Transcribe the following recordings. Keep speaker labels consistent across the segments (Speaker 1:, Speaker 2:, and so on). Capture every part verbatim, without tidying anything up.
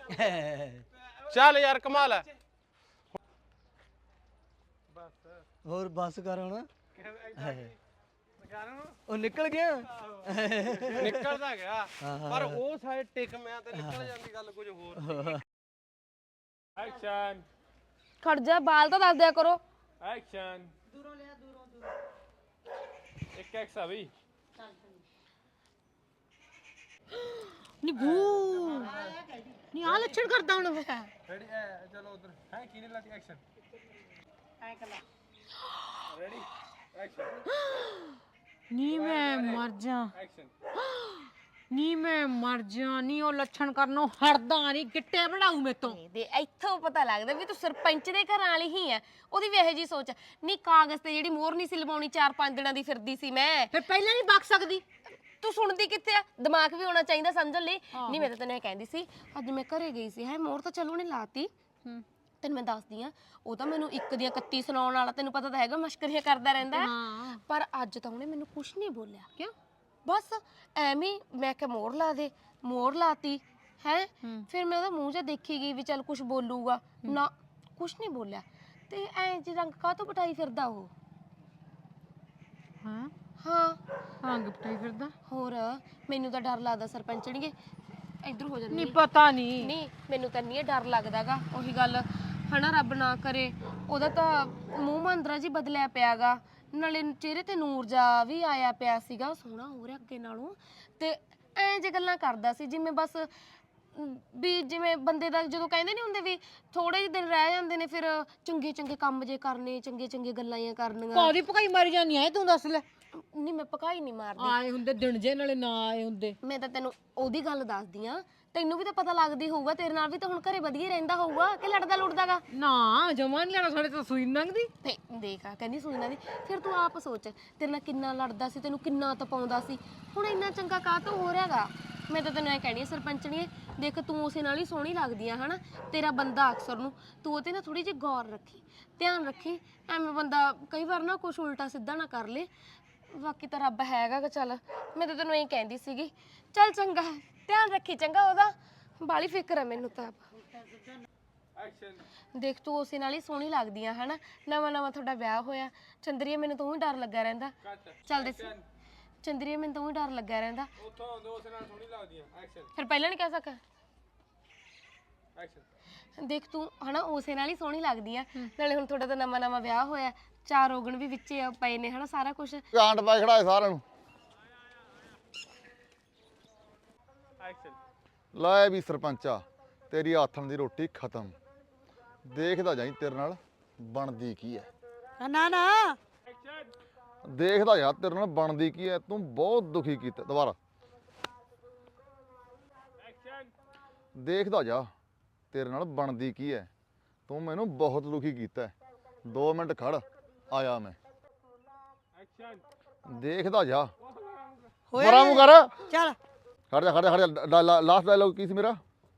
Speaker 1: ਚੱਲ ਯਾਰ ਕਮਾਲ ਹੈ।
Speaker 2: ਹੋਰ ਬੱਸ ਕਰ ਹੁਣ ਉਹ ਨਿਕਲ ਗਿਆ
Speaker 1: ਨਿਕਲਦਾ ਗਿਆ ਪਰ ਉਹ ਸਾਈਡ ਟਿਕ ਮੈਂ ਤੇ ਨਿਕਲ ਜਾਂਦੀ ਗੱਲ ਕੁਝ ਹੋਰ। ਐਕਸ਼ਨ
Speaker 3: ਖੜ ਜਾ ਬਾਲ ਤਾਂ ਦੱਸ ਦਿਆ ਕਰੋ।
Speaker 1: ਐਕਸ਼ਨ ਦੂਰੋਂ ਲਿਆ ਦੂਰੋਂ ਦੂਰੋਂ ਇੱਕ ਐਕਸ ਆ ਬਈ
Speaker 3: ਨੀ ਬੂ ਨੀ ਆ ਲੱਛਣ ਕਰਦਾ ਹੁਣ
Speaker 1: ਰੈਡੀ ਚਲੋ ਉਧਰ ਹੈ ਕੀ ਨਹੀਂ ਲਾਤੀ ਐਕਸ਼ਨ ਐ ਕਲਾ ਰੈਡੀ ਐਕਸ਼ਨ
Speaker 3: ਨੀ ਮੈਂ ਮਰ ਜਾ
Speaker 1: ਐਕਸ਼ਨ
Speaker 3: ਨੀ ਮੈਂ ਮਰ ਜਾ ਨੀ ਉਹ ਲੱਛਣ ਕਰਨੋਂ ਹਟਦਾ ਨਹੀਂ ਗਿੱਟੇ ਬਣਾਉ ਮੇਤੋਂ
Speaker 4: ਦੇ ਇੱਥੋਂ ਪਤਾ ਲੱਗਦਾ ਵੀ ਤੂੰ ਸਰਪੰਚ ਦੇ ਘਰਾਂ ਵਾਲੀ ਹੀ ਆ। ਉਹਦੀ ਵੀ ਇਹੋ ਜੀ ਸੋਚ ਨੀ ਕਾਗਜ਼ ਤੇ ਜਿਹੜੀ ਮੋਹਰ ਨਹੀਂ ਸੀ ਲਵਾਉਣੀ ਚਾਰ ਪੰਜ ਦਿਨਾਂ ਦੀ ਫਿਰਦੀ ਸੀ ਮੈਂ
Speaker 3: ਫਿਰ ਪਹਿਲਾਂ ਨਹੀਂ ਬਕ ਸਕਦੀ।
Speaker 4: ਤੂੰ ਸੁਣਦੀ ਕਿੱਥੇ ਆ ਦਿਮਾਗ ਵੀ ਹੋਣਾ ਚਾਹੀਦਾ ਸਮਝਣ ਲਈ। ਨਹੀਂ ਮੈਂ ਤਾਂ ਤੈਨੂੰ ਇਹ ਕਹਿੰਦੀ ਸੀ ਅੱਜ ਮੈਂ ਘਰੇ ਗਈ ਸੀ ਹੈ ਮੋਹਰ ਤਾਂ ਚਲੋ ਉਹਨੇ ਲਾਤੀ ਤੈਨੂੰ ਮੈਂ ਦੱਸਦੀ ਆ ਉਹ ਤਾਂ ਮੈਨੂੰ ਇੱਕ ਦੀਆਂ ਇਕੱਤੀ ਸੁਣਾਉਣ ਵਾਲਾ ਤੈਨੂੰ ਪਤਾ ਤਾਂ ਹੈਗਾ ਮਸ਼ਕਰੀਆਂ ਕਰਦਾ ਰਹਿੰਦਾ ਪਰ ਅੱਜ ਤਾਂ ਉਹਨੇ ਮੈਨੂੰ ਕੁਛ ਨਹੀਂ ਬੋਲਿਆ।
Speaker 3: ਕਿਉਂ
Speaker 4: ਬਸ ਐਵੇਂ ਮੈਂ ਕਿਹਾ ਮੋਹਰ ਲਾ ਦੇ ਮੋਹਰ ਲਾਤੀ ਹੈ ਫਿਰ ਮੈਂ ਉਹਦਾ ਮੂੰਹ ਜਿਹਾ ਦੇਖੀ ਗਈ ਵੀ ਚੱਲ ਕੁਛ ਬੋਲੂਗਾ ਨਾ ਕੁਛ ਨਹੀਂ ਬੋਲਿਆ ਤੇ ਐ ਜੀ ਰੰਗ ਕਾਹਤੋਂ ਪਟਾਈ ਫਿਰਦਾ ਉਹ।
Speaker 3: ਹਾਂ
Speaker 4: ਹਾਂ
Speaker 3: ਰੰਗ ਪਟਾਈ ਫਿਰਦਾ
Speaker 4: ਹੋਰ ਮੈਨੂੰ ਤਾਂ ਡਰ ਲੱਗਦਾ ਸਰਪੰਚਣੀਏ ਇੱਧਰ ਹੋ ਜਾਂਦੀ
Speaker 3: ਨਹੀਂ ਪਤਾ ਨਹੀਂ
Speaker 4: ਨਹੀਂ ਮੈਨੂੰ ਤਾਂ ਨਹੀਂ ਡਰ ਲੱਗਦਾਗਾ ਉਹੀ ਗੱਲ ਹਨਾ ਰੱਬ ਨਾ ਕਰੇ ਉਹਦਾ ਤਾਂ ਮੂੰਹ ਮੰਦਰਾ ਜੀ ਬਦਲਿਆ ਪਿਆਗਾ ਨਾਲੇ ਚਿਹਰੇ ਤੇ ਨੂਰ ਜਾ ਵੀ ਆਇਆ ਪਿਆ ਸੀਗਾ ਸੋਹਣਾ ਹੋ ਰਿਹਾ ਅੱਗੇ ਨਾਲੋਂ ਤੇ ਐਂ ਜੇ ਗੱਲਾਂ ਕਰਦਾ ਸੀ ਜਿਵੇਂ ਬਸ ਵੀ ਜਿਵੇਂ ਬੰਦੇ ਦਾ ਜਦੋਂ ਕਹਿੰਦੇ ਨਹੀਂ ਹੁੰਦੇ ਵੀ ਥੋੜੇ ਜਿਹੇ ਦਿਨ ਰਹਿ ਜਾਂਦੇ ਨੇ ਫਿਰ ਚੰਗੇ ਚੰਗੇ ਕੰਮ ਜੇ ਕਰਨੇ ਚੰਗੇ ਚੰਗੇ ਗੱਲਾਂ ਹੀ ਕਰਨੀਆਂ।
Speaker 3: ਕਾਦੀ ਪਕਾਈ ਮਾਰੀ ਜਾਨੀ ਐ ਤੂੰ ਦੱਸ ਲੈ।
Speaker 4: ਨਹੀਂ ਮੈਂ ਪਕਾਈ ਨਹੀਂ ਮਾਰਦੀ
Speaker 3: ਆਏ ਹੁੰਦੇ ਦਿਨ ਜੇ ਨਾਲੇ ਨਾ ਆਏ ਹੁੰਦੇ।
Speaker 4: ਮੈਂ ਤਾਂ ਤੈਨੂੰ ਉਹਦੀ ਗੱਲ ਦੱਸਦੀ ਆ ਤੈਨੂੰ ਵੀ ਤਾਂ ਪਤਾ ਲੱਗਦੀ ਹੋਊਗਾ ਤੇਰੇ ਨਾਲ ਵੀ ਤਾਂ ਹੁਣ ਘਰੇ ਵਧੀਆ ਰਹਿੰਦਾ ਹੋਊਗਾ ਕਿ ਲੜਦਾ ਲੁੜਦਾਗਾ
Speaker 3: ਨਾ ਜਮਾ ਨਹੀਂ ਲੈਣਾ ਸਾਡੇ ਤਾਂ ਸੂਈ ਲੰਘਦੀ
Speaker 4: ਤੇ ਦੇਖ ਆ ਕਹਿੰਦੀ ਸੂਈ ਨਾ ਦੀ ਫਿਰ ਤੂੰ ਆਪ ਸੋਚ ਤੇਰੇ ਨਾਲ ਕਿੰਨਾ ਲੜਦਾ ਸੀ ਤੈਨੂੰ ਕਿੰਨਾ ਤਪਾਉਂਦਾ ਸੀ ਹੁਣ ਇੰਨਾ ਚੰਗਾ ਕਾਹਤੋਂ ਹੋ ਰਿਹਾਗਾ। ਮੈਂ ਤਾਂ ਤੈਨੂੰ ਐ ਕਹਿਣੀ ਸਰਪੰਚਣੀਏ ਦੇਖ ਤੂੰ ਉਸੇ ਨਾਲ ਹੀ ਸੋਹਣੀ ਲੱਗਦੀ ਆ ਹਨਾ ਤੇਰਾ ਬੰਦਾ ਅਕਸਰ ਨੂੰ ਤੂੰ ਉਹਤੇ ਨਾ ਥੋੜੀ ਜਿਹੀ ਗੌਰ ਰੱਖੀ ਧਿਆਨ ਰੱਖੀ ਐਵੇਂ ਬੰਦਾ ਕਈ ਵਾਰ ਨਾ ਕੁਛ ਉਲਟਾ ਸਿੱਧਾ ਨਾ ਕਰ ਲੇ ਬਾਕੀ ਤਾਂ ਰੱਬ ਹੈਗਾ ਕਿ ਚੱਲ ਮੈਂ ਤਾਂ ਤੈਨੂੰ ਇਹ ਕਹਿੰਦੀ ਸੀਗੀ ਚੱਲ ਚੰਗਾ ਧਿਆਨ ਰੱਖੀ ਚੰਗਾ ਉਹਦਾ ਬਾਲੀ ਫਿਕਰ ਹੈ ਮੈਨੂੰ ਤਾਂ। ਦੇਖ ਤੂੰ ਉਸੇ ਨਾਲ ਹੀ ਸੋਹਣੀ ਲੱਗਦੀ ਆ ਹਨਾ ਨਵਾਂ ਨਵਾਂ ਤੁਹਾਡਾ ਵਿਆਹ ਹੋਇਆ ਚੰਦਰੀਏ ਮੈਨੂੰ ਤਾਂ ਵੀ ਡਰ ਲੱਗਾ ਰਹਿੰਦਾ ਚੱਲਦੇ ਸੀ ਚੰਦਰੀਏ ਮੈਨੂੰ ਤਾਂ ਵੀ ਡਰ ਲੱਗਾ ਰਹਿੰਦਾ
Speaker 1: ਉੱਥੋਂ ਉਸੇ ਨਾਲ ਸੋਹਣੀ ਲੱਗਦੀ ਆ ਐਕਸ਼ਨ
Speaker 4: ਫਿਰ ਪਹਿਲਾਂ ਨਹੀਂ ਕਹਿ ਸਕਾ
Speaker 1: ਐਕਸ਼ਨ
Speaker 4: ਦੇਖ ਤੂੰ ਹਨਾ ਉਸੇ ਨਾਲ ਹੀ ਸੋਹਣੀ ਲੱਗਦੀ ਆ ਨਾਲੇ ਹੁਣ ਤੁਹਾਡਾ ਤਾਂ ਨਵਾਂ ਨਵਾਂ ਵਿਆਹ ਹੋਇਆ ਚਾਰ ਔਗਣ ਵੀ ਵਿੱਚ ਪਏ ਨੇ ਹਨਾ ਸਾਰਾ ਕੁਝ
Speaker 5: ਕਾਂਡ ਪਾ ਖੜਾਏ ਸਾਰਿਆਂ ਨੂੰ
Speaker 1: ਐਕਸ਼ਨ
Speaker 5: ਲੈ ਵੀ ਸਰਪੰਚਾ ਤੇਰੀ ਆਥਣ ਦੀ ਰੋਟੀ ਖਤਮ ਦੇਖਦਾ ਜਾਈ ਤੇਰੇ ਨਾਲ ਬਣਦੀ ਕੀ ਐ
Speaker 3: ਨਾ ਨਾ
Speaker 5: ਦੇਖਦਾ ਯਾਰ ਤੇਰੇ ਨਾਲ ਬਣਦੀ ਕੀ ਐ ਤੂੰ ਬਹੁਤ ਦੁਖੀ ਕੀਤਾ ਦੁਬਾਰਾ ਦੇਖਦਾ ਜਾ ਤੇਰੇ ਨਾਲ ਬਣਦੀ ਕੀ ਐ ਤੂੰ ਮੈਨੂੰ ਬਹੁਤ ਦੁਖੀ ਕੀਤਾ ਦੋ ਮਿੰਟ ਖੜ ਆਇਆ ਮੈਂ ਦੇਖਦਾ ਜਾ ਮਰਾ ਮੂੰਹ ਕਰ
Speaker 3: ਚੱਲ
Speaker 5: ਖੜ ਜਾ ਖੜ ਜਾ ਖੜ ਜਾ ਲਾਸਟ ਡਾਇਲੌਗ ਕੀ ਸੀ ਮੇਰਾ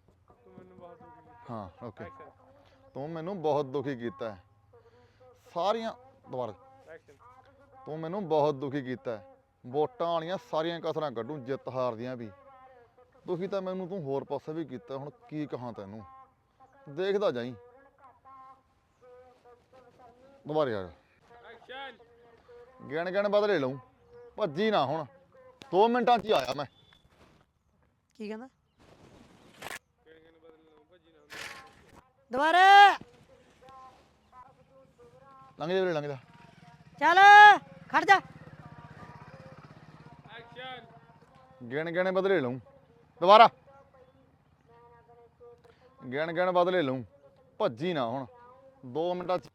Speaker 5: ਹਾਂ ਓਕੇ ਤੂੰ ਮੈਨੂੰ ਬਹੁਤ ਦੁਖੀ ਕੀਤਾ ਸਾਰੀਆਂ ਦੁਬਾਰਾ ਤੂੰ ਮੈਨੂੰ ਬਹੁਤ ਦੁਖੀ ਕੀਤਾ ਵੋਟਾਂ ਵਾਲੀਆਂ ਸਾਰੀਆਂ ਕਸਰਾਂ ਕੱਢੂ ਜਿੱਤ ਹਾਰ ਦੀਆਂ ਵੀ ਦੁਖੀ ਤਾਂ ਮੈਨੂੰ ਤੂੰ ਹੋਰ ਪਾਸੇ ਵੀ ਕੀਤਾ ਹੁਣ ਕੀ ਕਹਾਂ ਤੈਨੂੰ ਦੇਖਦਾ ਜਾਈ ਦੁਬਾਰੇ ਆ ਗਿਣ ਗਿਣ ਬਦਲੇ ਲਊ ਭੱਜੀ ਨਾ ਹੁਣ ਦੋ ਮਿੰਟਾਂ 'ਚ ਹੀ ਆਇਆ ਮੈਂ
Speaker 3: ਕੀ ਕਹਿੰਦਾ ਦੁਬਾਰਾ
Speaker 5: ਲੰਘ ਜਾ ਵੀਰੇ ਲੰਘ ਜਾ
Speaker 3: ਚੱਲ ਖੜ ਜਾ
Speaker 5: ਗਿਣ ਗਿਣ ਬਦਲੇ ਲਊ ਦੁਬਾਰਾ ਗਿਣ ਗਿਣ ਬਦਲੇ ਲਊ ਭੱਜੀ ਨਾ ਹੁਣ ਦੋ ਮਿੰਟਾਂ 'ਚ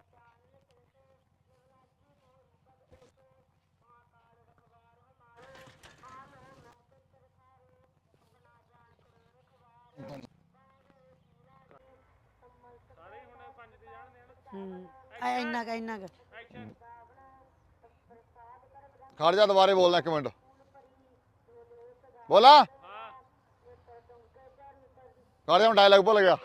Speaker 3: ਹੂੰ ਆ ਇੰਨਾ ਕ ਇੰਨਾ ਕ
Speaker 5: ਖੜ ਜਾ ਦੁਬਾਰੇ ਬੋਲਣਾ ਇੱਕ ਮਿੰਟ ਬੋਲਾ ਖੜ ਜਾ ਹੁਣ ਡਾਇਲੌਗ ਭੁੱਲ ਗਿਆ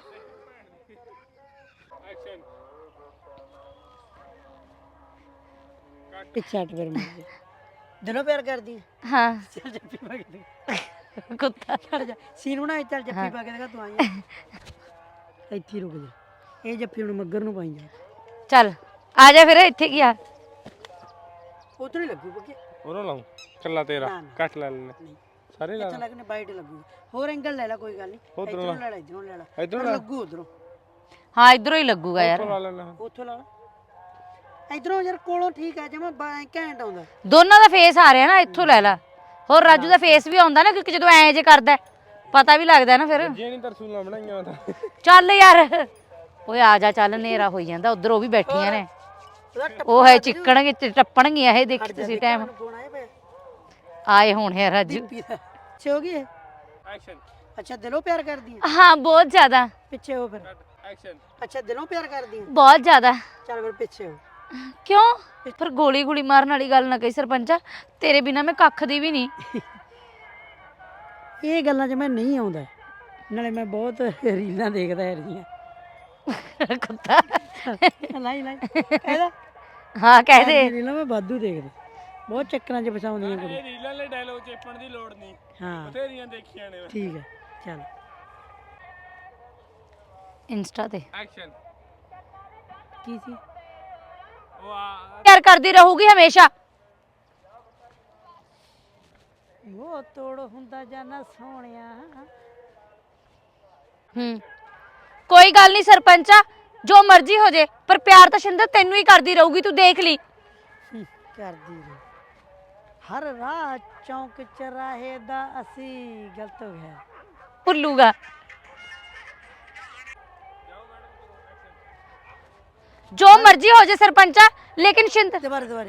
Speaker 3: ਇੱਕ ਛੱਟ ਫਿਰ ਮਾਰ ਦਿਨੋਂ ਪਿਆਰ ਕਰਦੀ
Speaker 4: ਹਾਂ
Speaker 3: ਚੱਲ ਜੱਫੀ ਪਾ ਕੇ ਕੁੱਤਾ
Speaker 2: ਛੱਡ ਜਾ ਸੀਨ ਬਣਾ ਚੱਲ ਜੱਫੀ ਪਾ ਕੇ ਦੇਗਾ ਤੂੰ ਆਈ ਇੱਥੇ ਹੀ ਰੁਕ ਜਾ ਇਹ ਜੱਫੀ ਹੁਣ ਮੱਗਰ ਨੂੰ ਪਾਈ ਜਾ
Speaker 3: ਚੱਲ ਆ ਜਾ ਫਿਰ ਇੱਥੇ ਕੀ ਆ
Speaker 2: ਉਧਰ ਹੀ ਲੱਗੂ ਬੱਕੇ
Speaker 1: ਉਰੋਂ ਲਾਉਂ ਕੱਲਾ ਤੇਰਾ ਕੱਟ ਲੈ ਲੈਣੇ ਸਾਰੇ ਲਾ
Speaker 2: ਇੱਥੇ ਲੱਗਣੇ ਬਾਈਟ ਲੱਗੂ ਹੋਰ ਐਂਗਲ ਲੈ ਲੈ ਕੋਈ ਗੱਲ ਨਹੀਂ ਇਧਰੋਂ ਲੈ ਲੈ ਇਧਰੋਂ ਲੈ ਲੈ
Speaker 1: ਇਧਰੋਂ
Speaker 2: ਲੱਗੂ ਉਧਰੋਂ
Speaker 3: ਹਾਂ ਇਧਰੋਂ ਹੀ ਲੱਗੂਗਾ ਯਾਰ
Speaker 1: ਲਾ ਲੈਣਾ
Speaker 2: ਉੱਥੋਂ ਲਾ ਇਧਰੋਂ ਯਾਰ ਕੋਲੋਂ ਠੀਕ ਆ ਜਮਾ ਘੈਂਟ ਆਉਂਦਾ
Speaker 3: ਦੋਨਾਂ ਦਾ ਫੇਸ ਆ ਰਿਹਾ ਨਾ ਇੱਥੋਂ ਲੈ ਲੈ ਹੋਰ ਰਾਜੂ ਦਾ ਫੇਸ ਵੀ ਆਉਂਦਾ ਨਾ ਕਿਉਂਕਿ ਜਦੋਂ ਐ ਜੇ ਕਰਦਾ ਪਤਾ ਵੀ ਲੱਗਦਾ ਨਾ ਫਿਰ
Speaker 1: ਜੇ ਨਹੀਂ ਤਰਸੂਲਾਂ ਬਣਾਈਆਂ ਤਾਂ
Speaker 3: ਚੱਲ ਯਾਰ ਓਏ ਆ ਜਾ ਚੱਲ ਨੇਰਾ ਹੋਈ ਜਾਂਦਾ ਉਧਰ ਉਹ ਵੀ ਬੈਠੀਆਂ ਨੇ ਉਹ ਹੈ ਚਿੱਕਣਗੇ ਤੇ ਟੱਪਣਗੀਆਂ ਇਹ ਦੇਖੀ ਤੁਸੀਂ ਟਾਈਮ
Speaker 2: ਫੋਨ ਆਏ ਪਏ
Speaker 3: ਆਏ ਹੁਣ ਹੈ ਰਾਜੂ
Speaker 2: ਪਿੱਛੇ ਹੋ ਗਈ ਇਹ
Speaker 1: ਐਕਸ਼ਨ
Speaker 2: ਅੱਛਾ ਦਿਲੋਂ ਪਿਆਰ ਕਰਦੀ ਆ
Speaker 3: ਹਾਂ ਬਹੁਤ ਜ਼ਿਆਦਾ
Speaker 2: ਪਿੱਛੇ ਹੋ ਫਿਰ
Speaker 1: ਐਕਸ਼ਨ
Speaker 2: ਅੱਛਾ ਦਿਲੋਂ ਪਿਆਰ ਕਰਦੀ ਆ
Speaker 3: ਬਹੁਤ ਜ਼ਿਆਦਾ
Speaker 2: ਚੱਲ ਫਿਰ ਪਿੱਛੇ ਹੋ
Speaker 3: ਕਿਉਂ ਫਿਰ ਗੋਲੀ ਗੋਲੀ ਮਾਰਨ ਵਾਲੀ ਗੱਲ ਨਾ ਕਹੀ ਸਰਪੰਚਾ ਤੇਰੇ ਬਿਨਾ ਮੈਂ ਕੱਖ ਦੀ ਵੀ ਨਹੀਂ
Speaker 2: ਇਹ ਗੱਲਾਂ 'ਚ ਮੈਂ ਨਹੀਂ ਆਉਂਦਾ ਨਾਲੇ ਮੈਂ ਬਹੁਤ ਰੀਲਾਂ ਦੇਖਦਾ ਹੈ ਰਹੀਆਂ
Speaker 3: ਕੁੱਤਾ
Speaker 2: ਲਾਈ ਲਾਈ ਇਹਦਾ
Speaker 3: ਹਾਂ ਕਹਿ ਦੇ
Speaker 2: ਰੀਲਾਂ ਮੈਂ ਵਾਧੂ ਦੇਖਦਾ ਬਹੁਤ ਚੱਕਰਾਂ 'ਚ ਫਸਾਉਂਦੀਆਂ ਕੁੜੀ
Speaker 1: ਇਹ ਰੀਲਾਂ ਵਾਲੇ ਡਾਇਲੌਗ ਚੇਪਣ ਦੀ ਲੋੜ ਨਹੀਂ
Speaker 2: ਹਾਂ
Speaker 1: ਬਥੇਰੀਆਂ ਦੇਖੀਆਂ ਨੇ
Speaker 2: ਠੀਕ ਹੈ ਚੱਲ
Speaker 3: ਇੰਸਟਾ ਤੇ
Speaker 1: ਐਕਸ਼ਨ
Speaker 2: ਕੀ ਸੀ
Speaker 1: ਉਹ ਆ
Speaker 3: ਪਿਆਰ ਕਰਦੀ ਰਹੂਗੀ ਹਮੇਸ਼ਾ
Speaker 2: ਉਹ ਤੋੜ ਹੁੰਦਾ ਜਾਨਾ ਸੋਹਣਿਆ
Speaker 3: ਹੂੰ ਕੋਈ ਗੱਲ ਨਹੀਂ ਸਰਪੰਚਾ ਜੋ ਮਰਜ਼ੀ ਹੋ ਜੇ ਪਰ ਪਿਆਰ ਤਾਂ ਸ਼ਿੰਦਰ ਤੈਨੂੰ ਹੀ ਕਰਦੀ ਰਹੂਗੀ ਤੂੰ ਦੇਖ ਲਈ
Speaker 2: ਹੂੰ, ਕਰਦੀ ਰਹੀ ਹਰ ਰਾਹ ਚੌਂਕ ਚਰਾਹੇ ਦਾ ਅਸੀਂ ਗਲਤ ਹੋ ਗਿਆ
Speaker 3: ਭੁੱਲੂਗਾ ਜੋ ਮਰਜ਼ੀ ਹੋ ਜੇ ਸਰਪੰਚਾ ਲੇਕਿਨ ਸ਼ਿੰਦਰ
Speaker 2: ਦੁਬਾਰੇ ਦੁਬਾਰੇ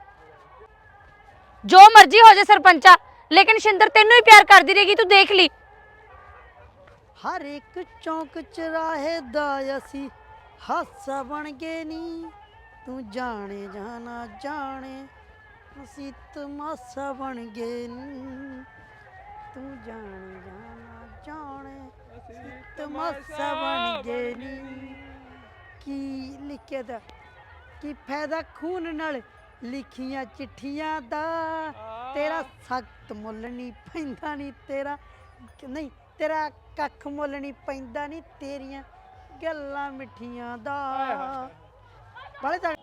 Speaker 3: ਜੋ ਮਰਜ਼ੀ ਹੋ ਜੇ ਸਰਪੰਚਾ ਲੇਕਿਨ ਸ਼ਿੰਦਰ ਤੈਨੂੰ ਹੀ ਪਿਆਰ ਕਰਦੀ ਰਹੇਗੀ ਤੂੰ ਦੇਖ ਲਈ
Speaker 2: ਹਰ ਇੱਕ ਚੌਂਕ ਚਰਾਹੇ ਦਾ ਅਸੀਂ ਹਾਸਾ ਬਣ ਗਏ ਨੀ ਤੂੰ ਜਾਣੇ ਜਾਣਾ ਜਾਣੇ ਅਸੀਂ ਤਮਾਸ਼ਾ ਬਣ ਗਏ ਨੀ ਤੂੰ ਜਾਣੇ ਜਾਣਾ ਜਾਣੇ ਅਸੀਂ ਤਮਾਸ਼ਾ ਬਣ ਗਏ ਨੀ ਕੀ ਲਿਖਿਆ ਦਾ ਕੀ ਫਾਇਦਾ ਖੂਨ ਨਾਲ ਲਿਖੀਆਂ ਚਿੱਠੀਆਂ ਦਾ ਤੇਰਾ ਸਖਤ ਮੁੱਲ ਨਹੀਂ ਪੈਂਦਾ ਨਹੀਂ ਤੇਰਾ ਨਹੀਂ ਤੇਰਾ ਕੱਖ ਮੁੱਲ ਨਹੀਂ ਪੈਂਦਾ ਨਹੀਂ ਤੇਰੀਆਂ ਗੱਲਾਂ ਮਿੱਠੀਆਂ ਦਾ ਬਾਲੇ ਤਾਂ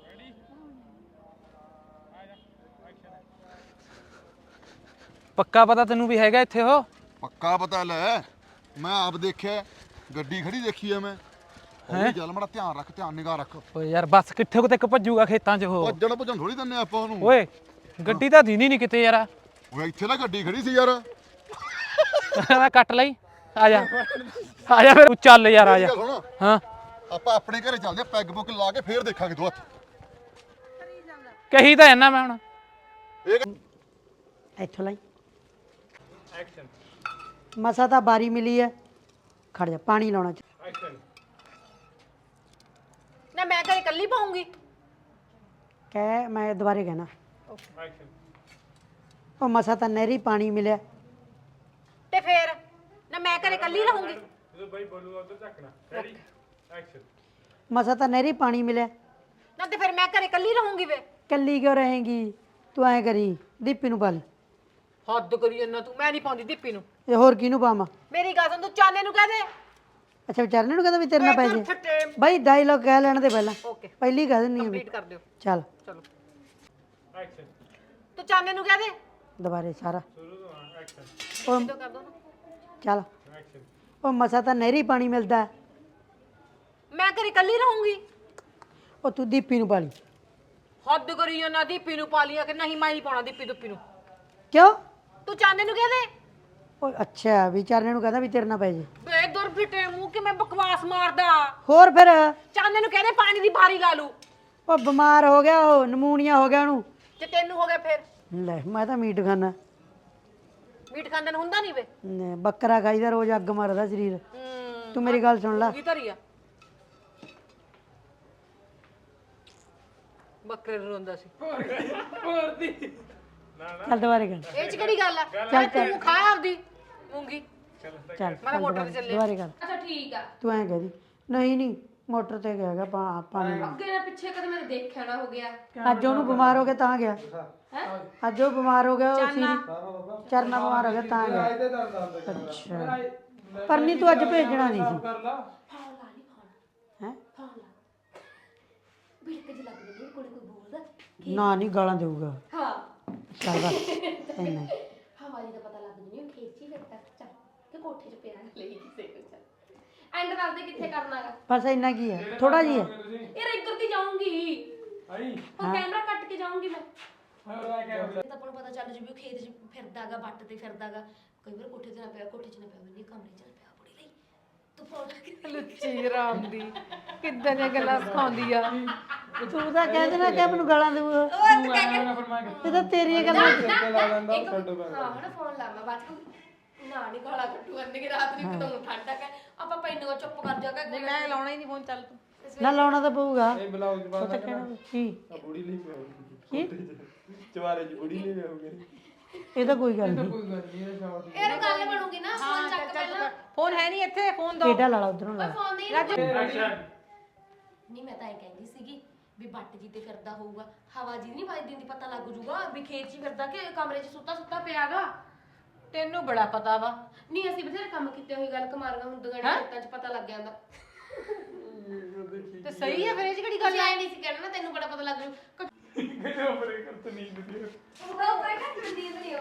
Speaker 1: ਪੱਕਾ ਪਤਾ ਤੈਨੂੰ ਵੀ ਹੈਗਾ ਇੱਥੇ ਉਹ
Speaker 5: ਪੱਕਾ ਪਤਾ ਲੈ ਮੈਂ ਆਪ ਦੇਖਿਆ ਗੱਡੀ ਖੜੀ ਦੇਖੀ ਆ ਮੈਂ ਹੌਲੀ ਚੱਲ ਮੜਾ ਧਿਆਨ ਰੱਖ ਧਿਆਨ ਨਿਗਾਹ ਰੱਖ
Speaker 1: ਓਏ ਯਾਰ ਬੱਸ ਕਿੱਥੇ ਕੁ ਤੱਕ ਭੱਜੂਗਾ ਖੇਤਾਂ 'ਚ ਉਹ
Speaker 5: ਭੱਜਣ ਭੱਜਣ ਥੋੜੀ ਦਿੰਨੇ ਆਪਾਂ ਉਹਨੂੰ
Speaker 1: ਓਏ ਗੱਡੀ ਤਾਂ ਦੀਨੀ ਨਹੀਂ ਕਿਤੇ ਯਾਰ
Speaker 5: ਓਏ ਇੱਥੇ ਤਾਂ ਗੱਡੀ ਖੜੀ ਸੀ ਯਾਰ
Speaker 1: ਮੈਂ ਕੱਟ ਲਈ ਆ ਜਾ ਆ ਜਾ ਫਿਰ ਤੂੰ ਚੱਲ ਯਾਰ ਆ ਜਾ
Speaker 5: ਗੱਲ ਸੁਣ
Speaker 1: ਹਾਂ
Speaker 5: ਆਪਾਂ ਆਪਣੇ ਘਰੇ ਚੱਲਦੇ ਪੈਗ ਬੁੱਕ ਲਾ ਕੇ ਫੇਰ ਦੇਖਾਂਗੇ ਦੋ ਹੱਥ
Speaker 1: ਕਹੀ ਤਾਂ ਇਹਨਾਂ ਮੈਂ ਹੁਣ
Speaker 5: ਇਹ
Speaker 2: ਇੱਥੋਂ ਲਈ
Speaker 1: ਐਕਸ਼ਨ
Speaker 2: ਮਸਾ ਤਾਂ ਬਾਰੀ ਮਿਲੀ ਹੈ ਖੜ ਜਾ ਪਾਣੀ ਲਾਉਣਾ ਚ
Speaker 1: ਐਕਸ਼ਨ
Speaker 3: ਨਾ ਮੈਂ ਘਰੇ ਇਕੱਲੀ ਪਾਉਂਗੀ
Speaker 2: ਕਹਿ ਮੈਂ ਦੁਬਾਰੇ ਕਹਿਣਾ
Speaker 1: ਐਕਸ਼ਨ
Speaker 2: ਉਹ ਮਸਾ ਤਾਂ ਨਹਿਰੀ ਪਾਣੀ ਮਿਲਿਆ
Speaker 3: ਤੇ ਫੇਰ ਨਾ ਮੈਂ ਘਰੇ ਇਕੱਲੀ ਰਹੂੰਗੀ
Speaker 1: ਜਦੋਂ ਬਾਈ ਬੋਲੂਗਾ ਉਧਰ ਝੱਕਣਾ ਰੈਡੀ ਐਕਸ਼ਨ
Speaker 2: ਮਸਾ ਤਾਂ ਨਹਿਰੀ ਪਾਣੀ ਮਿਲਿਆ
Speaker 3: ਨਾ ਤੇ ਫਿਰ ਮੈਂ ਘਰੇ ਇਕੱਲੀ ਰਹੂੰਗੀ ਵੇ
Speaker 2: ਕੱਲੀ ਕਿਉਂ ਰਹੇਗੀ ਤੂੰ ਐ ਕਰੀ ਦੀਪੀ ਨੂੰ ਪਾ ਲਈ
Speaker 3: ਹੱਦ ਕਰੀ ਜੰਨਾ ਤੂੰ ਮੈਂ ਨਹੀਂ ਪਾਉਂਦੀ ਦੀਪੀ ਨੂੰ
Speaker 2: ਇਹ ਹੋਰ ਕਿਹਨੂੰ ਪਾਵਾਂ
Speaker 3: ਮੇਰੀ ਗੱਲ ਸੁਣ ਤੂੰ ਚਾਨੇ ਨੂੰ ਕਹਿ ਦੇ
Speaker 2: ਅੱਛਾ ਵਿਚਾਰਨੇ ਨੂੰ ਕਹਿੰਦਾ ਵੀ ਤੇਰੇ ਨਾਲ ਪੈ ਜੇ
Speaker 3: ਫਟੇ
Speaker 2: ਬਾਈ ਡਾਇਲੌਗ ਕਹਿ ਲੈਣ ਦੇ ਪਹਿਲਾਂ
Speaker 3: ਓਕੇ
Speaker 2: ਪਹਿਲੀ ਕਹਿ ਦਿੰਨੀ ਆ ਵੀ
Speaker 3: ਕੰਪਲੀਟ ਕਰ ਦਿਓ
Speaker 2: ਚੱਲ
Speaker 3: ਚਲੋ
Speaker 1: ਐਕਸ਼ਨ
Speaker 3: ਤੂੰ ਚਾਨੇ ਨੂੰ ਕਹਿ ਦੇ
Speaker 2: ਦੁਬਾਰੇ ਸਾਰਾ
Speaker 1: ਸ਼ੁਰੂ ਤੋਂ ਐਕਸ਼ਨ
Speaker 2: ਉਹ
Speaker 3: ਤੂੰ ਕਰ ਦੋ ਨਾ
Speaker 2: ਚੱਲ
Speaker 1: ਐਕਸ਼ਨ
Speaker 2: ਉਹ ਮਸਾ ਤਾਂ ਨਹਿਰੀ ਪਾਣੀ ਮਿਲਦਾ
Speaker 3: ਮੈਂ ਘਰੇ ਇਕੱਲੀ ਰਹੂੰਗੀ
Speaker 2: ਉਹ ਤੂੰ ਦੀਪੀ ਨੂੰ ਪਾ ਲਈ
Speaker 3: ਹੱਦ ਕਰੀ ਜੰਨਾ ਦੀਪੀ ਨੂੰ ਪਾ ਲਿਆ ਕਿ ਨਹੀਂ ਮੈਂ ਨਹੀਂ ਪਾਉਣਾ ਦੀਪੀ ਦੁੱਪੀ ਨੂੰ
Speaker 2: ਕਿਉਂ
Speaker 3: ਤੂੰ ਚਾਨੇ ਨੂੰ ਕਹਿ ਦੇ
Speaker 2: ਉਹ ਅੱਛਾ ਵਿਚਾਰਨੇ ਨੂੰ ਕਹਿੰਦਾ ਵੀ ਤੇਰੇ ਨਾਲ ਪੈ ਜੇ
Speaker 3: ਬੇ ਦੁਰ ਫਿੱਟੇ ਮੂੰਹ ਕਿ ਮੈਂ ਬਕਵਾਸ ਮਾਰਦਾ
Speaker 2: ਹੋਰ ਫਿਰ
Speaker 3: ਚਾਨੇ ਨੂੰ ਕਹਿੰਦੇ ਪਾਣੀ ਦੀ ਬਾਰੀ ਲਾ ਲੂ
Speaker 2: ਉਹ ਬਿਮਾਰ ਹੋ ਗਿਆ ਉਹ ਨਮੂਨੀਆ ਹੋ ਗਿਆ ਉਹਨੂੰ
Speaker 3: ਤੇ ਤੈਨੂੰ ਹੋ ਗਿਆ ਫਿਰ
Speaker 2: ਲੈ ਮੈਂ ਤਾਂ ਮੀਟ ਖਾਣਾ
Speaker 3: ਮੀਟ ਖਾਂਦੇ ਨੂੰ ਹੁੰਦਾ ਨਹੀਂ ਵੇ
Speaker 2: ਬੱਕਰਾ ਖਾਈਦਾ ਰੋਜ਼ ਅੱਗ ਮਾਰਦਾ ਸਰੀਰ
Speaker 3: ਹੂੰ
Speaker 2: ਤੂੰ ਮੇਰੀ ਗੱਲ ਸੁਣ ਲੈ
Speaker 3: ਕੀ ਧਰੀ ਆ ਬੱਕਰੇ ਨੂੰ ਰੋਂਦਾ ਸੀ
Speaker 1: ਹੋਰ ਦੀ
Speaker 2: ਚੱਲ ਦੁਬਾਰੇ ਕਰ
Speaker 3: ਇਹ ਚ ਕਿਹੜੀ ਗੱਲ ਆ ਚੱਲ ਤੂੰ ਖਾ ਆਪਦੀ ਮੂੰਗੀ
Speaker 2: ਚੱਲ
Speaker 3: ਮੈਂ ਮੋਟਰ ਤੇ ਚੱਲੇ
Speaker 2: ਦੁਬਾਰੇ ਕਰ
Speaker 3: ਅੱਛਾ ਠੀਕ ਆ
Speaker 2: ਤੂੰ ਐਂ ਕਹਦੀ ਨਹੀਂ ਨਹੀਂ ਮੋਟਰ ਤੇ ਗਿਆ ਗਾ ਪਾ- ਪਾਣੀ ਨਾਲ।
Speaker 4: ਅੱਗੇ ਨਾ ਪਿੱਛੇ ਕਦੇ ਮੈਂ ਦੇਖਿਆ ਨਾ ਹੋ ਗਿਆ
Speaker 2: ਅੱਜ ਉਹਨੂੰ ਬਿਮਾਰ ਹੋ ਗਿਆ ਤਾਂ ਗਿਆ ਅੱਜ ਉਹ ਬਿਮਾਰ ਹੋ ਗਿਆ ਉਹ ਸੀ ਚਰਨਾ ਬਿਮਾਰ ਹੋ ਗਿਆ ਤਾਂ ਗਿਆ
Speaker 1: ਇਹਦੇ ਦਰਦ ਆਉਂਦਾ
Speaker 2: ਅੱਛਾ ਪਰ ਨਹੀਂ ਤੂੰ ਅੱਜ ਭੇਜਣਾ ਨਹੀਂ ਸੀ
Speaker 1: ਕਰ ਲਾ
Speaker 4: ਫੋਨ ਲਾ ਨਹੀਂ ਫੋਨ
Speaker 2: ਹੈ
Speaker 4: ਫੋਨ ਲਾ ਬਿਲਕ ਜੀ ਲੱਗਦੀ ਨਹੀਂ ਕੋਲੇ ਕੋਈ ਬੋਲਦਾ
Speaker 2: ਨਾ ਨਹੀਂ ਗਾਲਾਂ ਦੇਊਗਾ
Speaker 4: ਹਾਂ
Speaker 2: ਚੱਲ ਬਸ ਇੰਨਾ ਹੀ।
Speaker 4: ਹਵਾਲੀ ਦਾ ਪਤਾ ਲੱਗ ਨਹੀਂ ਉਹ ਖੇਤ 'ਚ ਹੀ ਫਿਰਦਾ ਚੱਲ ਕਿ ਕੋਠੇ 'ਚ ਪਿਆ ਲਈ ਕਿਸੇ ਨੂੰ ਚੱਲ ਐਂਡ ਕਰਦੇ ਕਿੱਥੇ ਕਰਨਾਗਾ
Speaker 2: ਬਸ ਇੰਨਾ ਕੀ ਹੈ ਥੋੜਾ ਜੀ ਹੈ
Speaker 4: ਯਾਰ ਇੱਧਰ ਦੀ ਜਾਊਂਗੀ
Speaker 1: ਆਈ
Speaker 4: ਉਹ ਕੈਮਰਾ ਕੱਟ ਕੇ ਜਾਊਂਗੀ ਮੈਂ
Speaker 1: ਹੋਰ ਆ ਗਿਆ
Speaker 4: ਤਾਂ ਆਪਾਂ ਨੂੰ ਪਤਾ ਚੱਲ ਜੂ ਵੀ ਉਹ ਖੇਤ 'ਚ ਫਿਰਦਾਗਾ ਵੱਟ ਤੇ ਫਿਰਦਾਗਾ ਕਈ ਵਾਰ ਕੋਠੇ ਤੇ ਨਾ ਪਿਆ ਕੋਠੇ 'ਚ ਨਾ ਪਿਆ ਬੰਨੀ ਕਮਰੇ 'ਚ ਨਾ ਪਿਆ ਬੁੜੀ ਲਈ ਤੂੰ ਫੋਨ
Speaker 3: ਲੁੱਚੀ ਰਾਮ ਦੀ ਕਿੱਦਾਂ ਦੀਆਂ ਗੱਲਾਂ ਸਿਖਾਉਂਦੀ ਆ
Speaker 2: ਤੂੰ ਤਾਂ ਕਹਿ ਦੇਣਾ ਕਿ ਮੈਨੂੰ ਗਾਲਾਂ ਦੇਊਗਾ ਇਹ ਤਾਂ ਤੇਰੀਆਂ ਗੱਲਾਂ
Speaker 4: ਹਾਂ ਹਣਾ ਫੋਨ ਲਾ ਮੈਂ ਬਾਅਦ ਚ ਨਾ ਨਹੀਂ ਗਾਲਾਂ ਕੱਟੂ ਅੰਨੇ ਕਿ ਰਾਤ ਨੂੰ ਕਿਦੋਂ ਠੰਡਾ ਕਰ ਆਪਾਂ ਪੈਨੂ ਚੁੱਪ ਕਰ ਜਾਗਾ
Speaker 3: ਮੈਂ ਲਾਉਣਾ ਹੀ ਨਹੀਂ ਫੋਨ ਚੱਲ ਤੂੰ
Speaker 2: ਨਾ ਲਾਉਣਾ ਤਾਂ ਪਊਗਾ
Speaker 1: ਇਹ ਬਲਾਉਜ
Speaker 2: ਉਹ
Speaker 1: ਬਾਅਦ
Speaker 2: ਤਾਂ ਕਹਿਣਾ ਕੀ
Speaker 1: ਆ ਬੁੜੀ ਲਈ ਪਿਆ
Speaker 2: ਕੀ
Speaker 1: ਚਵਾਰੇ ਚ ਬੁੜੀ ਲਈ ਪਿਆ
Speaker 2: ਇਹ ਤਾਂ ਕੋਈ ਗੱਲ ਨਹੀਂ
Speaker 1: ਕੋਈ ਗੱਲ ਨਹੀਂ ਇਹ ਸ਼ਾਟ
Speaker 4: ਇਹ ਗੱਲ ਬਣੂਗੀ ਨਾ ਫੋਨ ਚੱਕ ਪਹਿਲਾਂ
Speaker 3: ਫੋਨ ਹੈ ਨਹੀਂ ਇੱਥੇ ਫੋਨ ਦੋ
Speaker 2: ਕਿਹੜਾ ਲਾ ਲਾ ਉਧਰੋਂ ਲਾ
Speaker 4: ਫੋਨ ਨਹੀਂ ਨਹੀਂ ਮੈਂ ਤਾਂ ਇਹ ਕਹਿੰਦੀ ਸੀਗੀ ਵੀ ਬੱਟ ਜੀ ਤੇ ਫਿਰਦਾ ਹੋਊਗਾ ਹਵਾ ਜੀ ਨਹੀਂ ਵੱਜਦੀ ਹੁੰਦੀ ਪਤਾ ਲੱਗ ਜੂਗਾ ਵੀ ਖੇਤ 'ਚ ਹੀ ਫਿਰਦਾ ਕਿ ਕਮਰੇ 'ਚ ਸੁੱਤਾ ਸੁੱਤਾ ਪਿਆਗਾ
Speaker 3: ਤੈਨੂੰ ਬੜਾ ਪਤਾ ਵਾ
Speaker 4: ਨਹੀਂ ਅਸੀਂ ਬਥੇਰੇ ਕੰਮ ਕੀਤੇ ਹੋਈ ਗੱਲ ਕਮਾਰੀਆਂ ਹੁੰਦੀਆਂ ਨੇ ਖੇਤਾਂ 'ਚ ਪਤਾ ਲੱਗ ਜਾਂਦਾ
Speaker 3: ਤੇ ਸਹੀ ਆ ਫਿਰ ਇਹ 'ਚ ਕਿਹੜੀ
Speaker 4: ਗੱਲ ਆਈ ਨਹੀਂ ਸੀ ਕਹਿਣਾ ਨਾ ਤੈਨੂੰ ਬੜਾ ਪਤਾ ਲੱਗ ਜੂ
Speaker 1: ਬਰੇ ਕਰ ਨੀਂਦ ਦੀ
Speaker 4: ਉਹ ਬ੍ਰੇਕ ਨੀਂਦ ਨਹੀਂ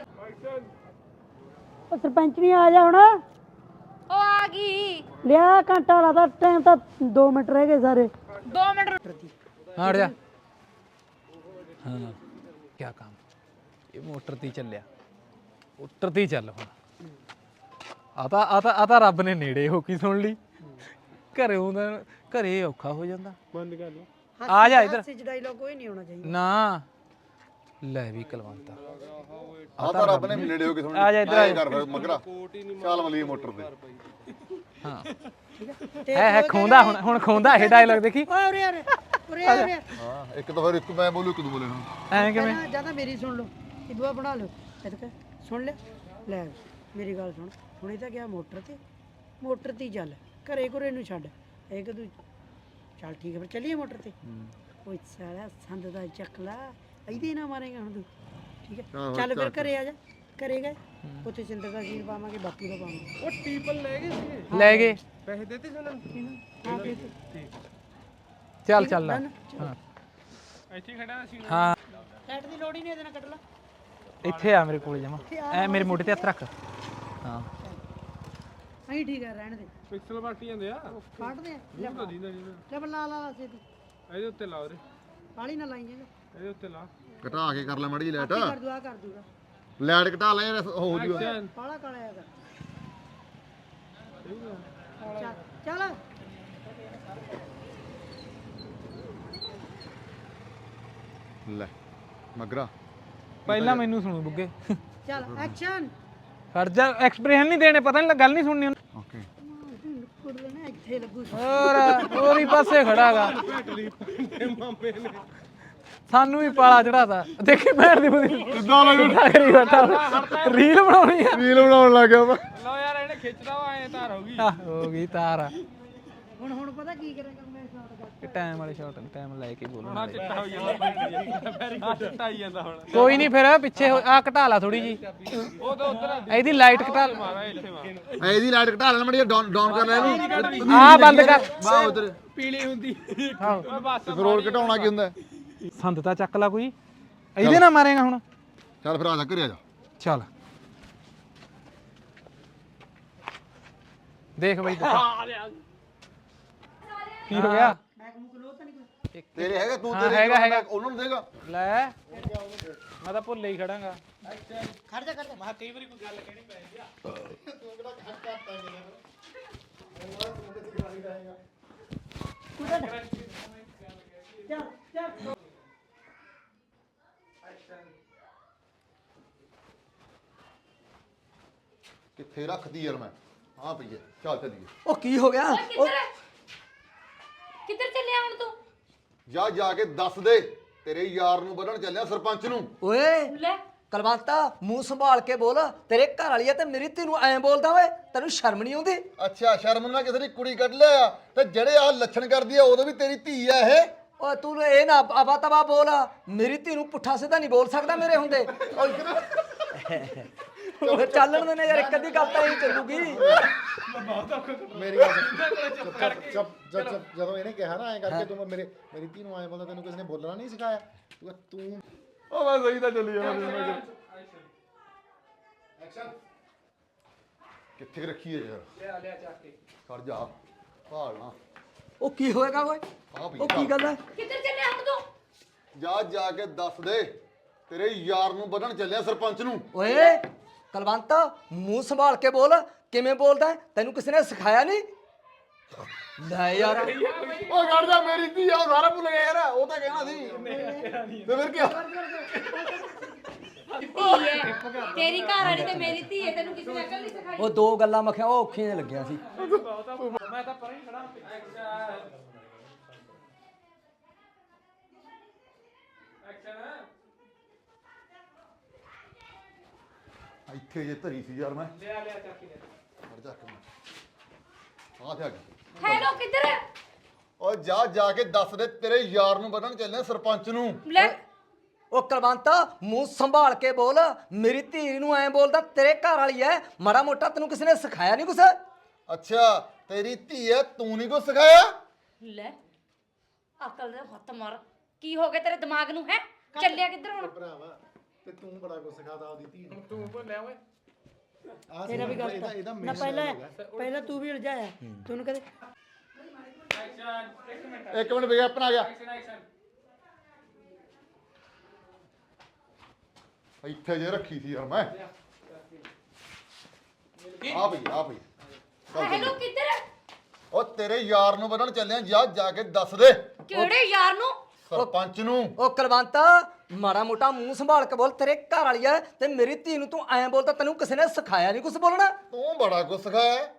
Speaker 2: ਉਹ ਸਰਪੰਚ ਨਹੀਂ ਆ ਜਾ ਹੁਣ
Speaker 3: ਉਹ ਆ ਗਈ
Speaker 2: ਲਿਆ ਘੰਟਾ ਲਾਦਾ ਟਾਈਮ ਤਾਂ ਦੋ ਮਿੰਟ ਰਹਿ ਗਏ ਸਾਰੇ
Speaker 3: ਦੋ ਮਿੰਟ
Speaker 6: हाँ जा हाँ क्या काम ये मोटर ती ਚੱਲਿਆ मोटर ती ਚੱਲ ਹੁਣ ਆਤਾ ਆਤਾ ਆਤਾ ਰੱਬ ਨੇ ਨੇੜੇ ਹੋ ਕੀ ਸੁਣ ਲਈ ਘਰੇ ਹੁੰਦਾ ਘਰੇ ਔਖਾ ਹੋ ਜਾਂਦਾ
Speaker 1: ਬੰਦ ਕਰ ਲਓ
Speaker 6: ਆ ਜਾ ਇੱਧਰ
Speaker 2: ਸੱਚ ਡਾਇਲੌਗ ਕੋਈ ਨਹੀਂ ਹੋਣਾ ਚਾਹੀਦਾ
Speaker 6: ਨਾ ਲੈ ਵੀ ਕਲਵੰਤਾ
Speaker 5: ਆ ਤਾਂ ਰੱਬ ਨੇ ਨੇੜੇ ਹੋ ਕੇ ਸੁਣ
Speaker 6: ਆ ਜਾ ਇੱਧਰ ਆ ਜਾ।
Speaker 5: ਕਰ ਮਗਰਾ ਚੱਲ ਮਲੀ ਮੋਟਰ ਤੇ
Speaker 6: ਹਾਂ ਹੈ ਹੈ ਖੋਂਦਾ ਹੁਣ ਹੁਣ ਖੋਂਦਾ ਇਹ ਡਾਇਲੌਗ ਦੇਖੀ
Speaker 2: ਓਏ ਉਰੇ ਉਰੇ ਉਰੇ ਆ ਉਰੇ
Speaker 5: ਹਾਂ ਇੱਕ ਤਾਂ ਫਿਰ ਇੱਕ ਮੈਂ ਬੋਲੂ ਇੱਕ ਤੂੰ ਬੋਲੇ ਹੁਣ
Speaker 6: ਐ ਕਿਵੇਂ
Speaker 2: ਪਹਿਲਾਂ ਜਾਂ ਤਾਂ ਮੇਰੀ ਸੁਣ ਲਓ ਇਹ ਦੁਆ ਬਣਾ ਲਓ ਇਹ ਤਾਂ ਸੁਣ ਲੈ ਲੈ ਮੇਰੀ ਗੱਲ ਸੁਣ ਹੁਣੇ ਤਾਂ ਗਿਆ ਮੋਟਰ ਤੇ ਮੋਟਰ ਤੇ ਹੀ ਚੱਲ ਘਰੇ ਘਰੇ ਨੂੰ ਛੱਡ ਇਹ ਕਿ ਤੂੰ ਚੱਲ ਠੀਕ ਹੈ ਫਿਰ ਚੱਲੀਏ ਮੋਟਰ ਤੇ ਓਏ ਸਾਲਾ ਸੰਦ ਦਾ ਚੱਕਲਾ ਇਹਦੇ ਨਾ ਮਾਰੇਗਾ ਹੁਣ ਤੂੰ ਠੀਕ ਹੈ
Speaker 5: ਆਹੋ,
Speaker 2: ਚੱਲ ਫਿਰ
Speaker 5: ਚੱਕ।
Speaker 2: ਘਰੇ ਆ ਜਾ ਘਰੇ ਗਏ ਉੱਥੇ ਸਿੰਦਰ ਦਾ ਸੀਨ ਪਾਵਾਂਗੇ ਬਾਪੂ ਦਾ ਪਾਵਾਂਗੇ
Speaker 1: ਉਹ ਟੀਪਲ ਲੈ ਗਏ ਸੀ
Speaker 6: ਲੈ ਗਏ
Speaker 1: ਪੈਸੇ ਦਿੱਤੇ ਸੀ ਉਹਨਾਂ ਨੂੰ
Speaker 2: ਹਾਂ ਫਿਰ
Speaker 6: ਚੱਲ ਚੱਲ ਲੈ। ਹਾਂ
Speaker 1: ਇੱਥੇ ਖੜਾ ਸੀ
Speaker 6: ਹਾਂ
Speaker 2: ਲਾਈਟ ਦੀ ਲੋੜ ਹੀ ਨਹੀਂ ਇਹਦੇ ਨਾਲ ਕੱਢ ਲਾ
Speaker 6: ਇੱਥੇ ਆ ਮੇਰੇ ਕੋਲ ਜਮਾ ਐ ਮੇਰੇ ਮੋਢੇ ਤੇ ਹੱਥ ਰੱਖ ਹਾਂ
Speaker 2: ਅਹੀਂ ਠੀਕ ਹੈ ਰਹਿਣ ਦੇ
Speaker 1: ਪਿਕਸਲ ਵੱਟ ਜਾਂਦੇ ਆ
Speaker 2: ਕੱਢਦੇ ਆ ਲੈ
Speaker 1: ਤਾਂ ਦੀਦਾ ਜੀ
Speaker 2: ਲੈ ਲਾ ਲਾ ਲਾ ਛੇਤੀ
Speaker 1: ਇਹਦੇ ਉੱਤੇ ਲਾ ਉਹਦੇ
Speaker 2: ਕਾਲੀ ਨਾ ਲਾਈ ਜਾਏਗਾ
Speaker 1: ਇਹਦੇ ਉੱਤੇ ਲਾ
Speaker 5: ਘਟਾ ਕੇ ਕਰ ਲੈ ਮੜੀ ਲਾਈਟ
Speaker 2: ਕਰ ਦੂਆ ਕਰ ਦੂਗਾ
Speaker 5: ਲਾਈਟ ਘਟਾ ਲੈ ਯਾਰ ਹੋ ਜੂਗਾ
Speaker 2: ਪਾਲਾ ਕਾਲਾ ਹੈਗਾ ਚੱਲ ਚੱਲ
Speaker 5: ਲੈ ਮਗਰਾ
Speaker 6: ਪਹਿਲਾਂ ਮੈਨੂੰ ਸੁਣੂ ਬੁੱਗੇ
Speaker 2: ਚੱਲ ਐਕਸ਼ਨ
Speaker 6: ਖੜ ਜਾ ਐਕਸਪ੍ਰੈਸ਼ਨ ਨਹੀਂ ਦੇਣੇ ਪਤਾ ਨਹੀਂ ਗੱਲ ਨਹੀਂ ਸੁਣਨੀ ਉਹਨੇ।
Speaker 5: ਓਕੇ
Speaker 2: ਕੁੜ ਲੈਣਾ ਇੱਥੇ ਲੱਗੂ
Speaker 6: ਹੋਰ ਹੋਰ ਹੀ ਪਾਸੇ ਖੜਾਗਾ ਸਾਨੂੰ ਵੀ ਪਾਲਾ ਚੜਾਤਾ ਦੇਖੀ ਭੈਣ ਦੀ ਬੁੱਧੀ
Speaker 5: ਕਿੱਦਾਂ ਲੱਗ
Speaker 6: ਕਰੀ ਬੈਠਾ ਰੀਲ ਬਣਾਉਣੀ ਆ
Speaker 5: ਰੀਲ ਬਣਾਉਣ ਲੱਗ ਗਿਆ ਮੈਂ
Speaker 1: ਲਓ ਯਾਰ ਇਹਨੇ ਖਿੱਚਦਾ ਵਾ ਐ ਤਾਰ ਹੋ ਗਈ
Speaker 6: ਆਹ, ਹੋ ਗਈ ਤਾਰ ਆ
Speaker 2: ਹੁਣ ਹੁਣ ਪਤਾ ਕੀ ਕਰਾਂਗਾ ਮੈਂ ਸ਼ਾਟ ਕਰ
Speaker 6: ਟਾਈਮ ਵਾਲੇ ਸ਼ਾਟ ਟਾਈਮ ਲੈ ਕੇ ਬੋਲਣਾ
Speaker 1: ਚਿੱਟਾ ਹੋ ਜਾਂਦਾ ਵੈਰੀ ਗੁੱਡ ਚਿੱਟਾ ਆਈ ਜਾਂਦਾ ਹੁਣ
Speaker 6: ਕੋਈ ਨਹੀਂ ਫਿਰ ਪਿੱਛੇ ਆ ਘਟਾ ਲਾ ਥੋੜੀ ਜੀ
Speaker 1: ਉਹ ਤਾਂ ਉਧਰ
Speaker 6: ਇਹਦੀ ਲਾਈਟ ਘਟਾ
Speaker 1: ਮਾਰਾ ਇੱਥੇ ਮਾਰ
Speaker 5: ਇਹਦੀ ਲਾਈਟ ਘਟਾ ਲੈ ਮੜੀ ਡਾਊਨ ਡਾਊਨ ਕਰ ਲੈ ਇਹਨੂੰ
Speaker 6: ਆ ਬੰਦ ਕਰ
Speaker 5: ਵਾਹ ਉਧਰ
Speaker 1: ਪੀਲੀ ਹੁੰਦੀ
Speaker 6: ਆਹੋ।
Speaker 1: ਓਏ ਬਸ
Speaker 5: ਫਿਰ ਹੋਰ ਘਟਾਉਣਾ ਕੀ ਹੁੰਦਾ
Speaker 6: ਸੰਦ ਤਾਂ ਚੱਕ ਲਾ ਕੋਈ ਇਹਦੇ ਨਾਲ ਮਾਰੇਗਾ ਹੁਣ
Speaker 5: ਚੱਲ ਫਿਰ ਆ ਜਾ ਘਰੇ ਆ ਜਾ
Speaker 6: ਚੱਲ ਦੇਖ ਬਈ ਕੀ ਹੋ ਗਿਆ
Speaker 5: ਤੇਰੇ ਹੈਗਾ ਤੂੰ
Speaker 6: ਹਾਂ,
Speaker 5: ਤੇਰੇ
Speaker 6: ਹੈਗਾ, ਹੈਗਾ।
Speaker 5: ਉਹਨਾਂ ਨੂੰ ਦੇਗਾ
Speaker 6: ਲੈ ਮੈਂ ਤਾਂ ਭੁੱਲੇ ਹੀ ਖੜਾਂਗਾ
Speaker 2: ਖੜ ਜਾ ਖੜ ਜਾ
Speaker 6: ਮੈਂ ਕਈ ਵਾਰੀ ਕੋਈ ਗੱਲ ਕਹਿਣੀ ਪੈ ਜਾਂਦੀ ਆ
Speaker 2: ਚੱਲ ਚੱਲ
Speaker 5: ਕਿੱਥੇ ਰੱਖਦੀ ਯਾਰ ਮੈਂ ਹਾਂ ਪਈਏ ਚੱਲ ਚੱਲੀਏ
Speaker 2: ਉਹ ਕੀ ਹੋ ਗਿਆ
Speaker 4: ਕਿੱਧਰ ਕਿੱਧਰ ਚੱਲਿਆ ਹੁਣ ਤੂੰ
Speaker 5: ਜਾ ਜਾ ਕੇ ਦੱਸ ਦੇ ਤੇਰੇ ਯਾਰ ਨੂੰ ਵੱਢਣ ਚੱਲਿਆ ਸਰਪੰਚ ਨੂੰ
Speaker 2: ਓਏ
Speaker 4: ਲੈ
Speaker 2: ਕਲਵੰਤਾ ਮੂੰਹ ਸੰਭਾਲ ਕੇ ਬੋਲ, ਤੇਰੇ ਘਰ ਵਾਲੀ ਆ ਤੇ ਮੇਰੀ ਧੀ ਨੂੰ ਐਂ ਬੋਲਦਾ ਓਏ, ਤੈਨੂੰ ਸ਼ਰਮ ਨਹੀਂ ਆਉਂਦੀ?
Speaker 5: ਅੱਛਾ ਸ਼ਰਮ ਨਾਲ ਕਿਸੇ ਦੀ ਕੁੜੀ ਕੱਢ ਲਿਆ ਤੇ ਜਿਹੜੇ ਆ ਲੱਛਣ ਕਰਦੀ ਆ ਉਦੋਂ ਵੀ ਤੇਰੀ ਧੀ ਆ ਇਹ?
Speaker 2: ਓਏ ਤੂੰ ਇਹ ਨਾ ਆਵਾ ਤਵਾ ਬੋਲ, ਮੇਰੀ ਧੀ ਨੂੰ ਪੁੱਠਾ ਸਿੱਧਾ ਨਹੀਂ ਬੋਲ ਸਕਦਾ ਮੇਰੇ ਹੁੰਦੇ। ਓਏ ਚੱਲਣ ਦੇ ਨੇ ਯਾਰ, ਇੱਕ ਅੱਧੀ ਗੱਲ ਤਾਂ ਇਹ ਚੱਲੂਗੀ।
Speaker 7: ਮੇਰੀ ਗੱਲ ਸੁਣ। ਜਦ ਜਦ ਜਦੋਂ ਇਹਨੇ ਕਿਹਾ ਨਾ ਐਂ ਕਰਕੇ ਤੂੰ ਮੇਰੇ ਮੇਰੀ ਧੀ ਨੂੰ ਐਂ ਬੋਲਦਾ, ਤੈਨੂੰ ਕਿਸੇ ਨੇ ਬੋਲਣਾ ਨਹੀਂ ਸਿਖਾਇਆ? ਤੂੰ ਤੂੰ
Speaker 5: ਉਹ ਮੈਂ ਸਹੀ ਤਾਂ ਚੱਲੀ ਜਾਣਾ
Speaker 7: ਐਕਸ਼ਨ।
Speaker 5: ਕਿੱਥੇ ਰੱਖੀ ਹੈ ਯਾਰ?
Speaker 1: ਲਿਆ ਲਿਆ ਚੱਕ ਕੇ
Speaker 5: ਖੜ ਜਾ ਭਾਲਣਾ।
Speaker 2: ਉਹ ਕੀ ਹੋਏਗਾ ਓਏ?
Speaker 5: ਆ ਭਈ
Speaker 2: ਉਹ ਕੀ ਗੱਲ ਹੈ?
Speaker 3: ਕਿੱਧਰ ਚੱਲੇ ਹਮ ਤੂੰ?
Speaker 5: ਜਾ ਜਾ ਕੇ ਦੱਸ ਦੇ, ਤੇਰੇ ਯਾਰ ਨੂੰ ਵਧਣ ਚੱਲਿਆ ਸਰਪੰਚ ਨੂੰ।
Speaker 2: ਓਏ ਕਲਵੰਤ ਮੂੰਹ ਸੰਭਾਲ ਕੇ ਬੋਲ, ਕਿਵੇਂ ਬੋਲਦਾ ਹੈ? ਤੈਨੂੰ ਕਿਸੇ ਨੇ ਸਿਖਾਇਆ ਨਹੀਂ? ਲੈ ਯਾਰ
Speaker 5: ਉਹ ਖੜ ਜਾ, ਮੇਰੀ ਧੀ ਆ, ਉਹ ਸਾਰਾ ਭੁੱਲ ਗਿਆ ਯਾਰ, ਉਹ ਤਾਂ ਕਹਿਣਾ ਸੀ ਤੇ ਫਿਰ ਕੀ
Speaker 3: ਤੇਰੀ ਘਰ ਵਾਲੀ ਤੇ ਮੇਰੀ ਧੀ ਹੈ, ਤੈਨੂੰ ਕਿਸੇ ਨੇ ਅਕਲ ਨਹੀਂ ਸਿਖਾਈ?
Speaker 2: ਉਹ ਦੋ ਗੱਲਾਂ ਮੈਂ ਕਿਹਾ ਉਹ ਔਖੀਆਂ ਜਿਹੀਆਂ ਲੱਗੀਆਂ ਸੀ।
Speaker 1: ਮੈਂ ਤਾਂ ਪਰਾਂ ਹੀ ਖੜਾ ਐਕਸ਼ਨ ਐਕਸ਼ਨ
Speaker 5: ਇੱਥੇ ਜੇ ਧਰੀ ਸੀ ਯਾਰ ਮੈਂ।
Speaker 1: ਲਿਆ ਲਿਆ ਚੱਕ ਕੇ ਲਿਆ।
Speaker 5: ਖੜ ਜਾ ਕੇ ਆ ਜਾ ਕੇ।
Speaker 3: ਹੈਲੋ ਕਿੱਧਰ ਹੈ?
Speaker 5: ਓ ਜਾ ਜਾ ਕੇ ਦੱਸ ਦੇ, ਤੇਰੇ ਯਾਰ ਨੂੰ ਵਧਣ ਚੱਲਿਆ ਸਰਪੰਚ ਨੂੰ।
Speaker 3: ਲੈ
Speaker 2: ਉਹ ਕਲਵੰਤ ਮੂੰਹ ਸੰਭਾਲ ਕੇ ਬੋਲ, ਮੇਰੀ ਧੀ ਨੂੰ ਐਂ ਬੋਲਦਾ, ਤੇਰੇ ਘਰ ਵਾਲੀ ਐ, ਮਾੜਾ ਮੋਟਾ ਤੈਨੂੰ ਕਿਸੇ ਨੇ ਸਿਖਾਇਆ ਨਹੀਂ ਕੁਛ?
Speaker 5: ਅੱਛਾ ਤੇਰੀ ਧੀ ਐ, ਤੂੰ ਨਹੀਂ ਕੁਛ ਸਿਖਾਇਆ?
Speaker 3: ਲੈ ਅਕਲ ਦੇ ਹੱਥ ਮਾਰ, ਕੀ ਹੋ ਗਿਆ ਤੇਰੇ ਦਿਮਾਗ ਨੂੰ? ਹੈ ਚੱਲਿਆ ਕਿੱਧਰ ਹੁਣ?
Speaker 7: ਭਰਾਵਾ ਤੇ ਤੂੰ ਬੜਾ ਕੁਝ ਸਿਖਾਦਾ ਉਹਦੀ ਧੀ ਨੂੰ।
Speaker 1: ਤੂੰ ਭੁੱਲਿਆ ਓਏ।
Speaker 7: ਆਹ ਤੇਰਾ ਵੀ ਗੱਲ ਇਹਦਾ ਇਹਦਾ
Speaker 2: ਨਾ ਪਹਿਲਾਂ ਪਹਿਲਾਂ ਤੂੰ ਵੀ ਉਲਝਾਇਆ, ਤੂੰ ਕਦੇ
Speaker 1: ਐਕਸ਼ਨ ਇੱਕ ਮਿੰਟ
Speaker 5: ਇੱਕ ਮਿੰਟ ਵਿਗਿਆਪਨ ਆ ਗਿਆ।
Speaker 1: ਐਕਸ਼ਨ ਐਕਸ਼ਨ
Speaker 5: ਇੱਥੇ ਜੇ ਰੱਖੀ ਸੀ ਯਾਰ ਮੈਂ। ਆ ਭਈ ਆ ਭਈ
Speaker 3: ਹੈਲੋ ਕਿੱਧਰ ਹੈ?
Speaker 5: ਉਹ ਤੇਰੇ ਯਾਰ ਨੂੰ ਵਧਣ ਚੱਲਿਆ, ਜਾ ਜਾ ਕੇ ਦੱਸ ਦੇ
Speaker 3: ਕਿਹੜੇ ਯਾਰ ਨੂੰ?
Speaker 5: ਸਰਪੰਚ ਨੂੰ।
Speaker 2: ਉਹ ਕਲਵੰਤ ਮਾੜਾ ਮੋਟਾ ਮੂੰਹ ਸੰਭਾਲ ਕੇ ਬੋਲ, ਤੇਰੇ ਘਰ ਵਾਲੀ ਐ ਤੇ ਮੇਰੀ ਧੀ ਨੂੰ ਤੂੰ ਐਂ ਬੋਲਦਾ, ਤੈਨੂੰ ਕਿਸੇ ਨੇ ਸਿਖਾਇਆ ਨਹੀਂ ਕੁਛ ਬੋਲਣਾ?
Speaker 5: ਤੂੰ ਬੜਾ ਕੁਛ ਸਿਖਾਇਆ।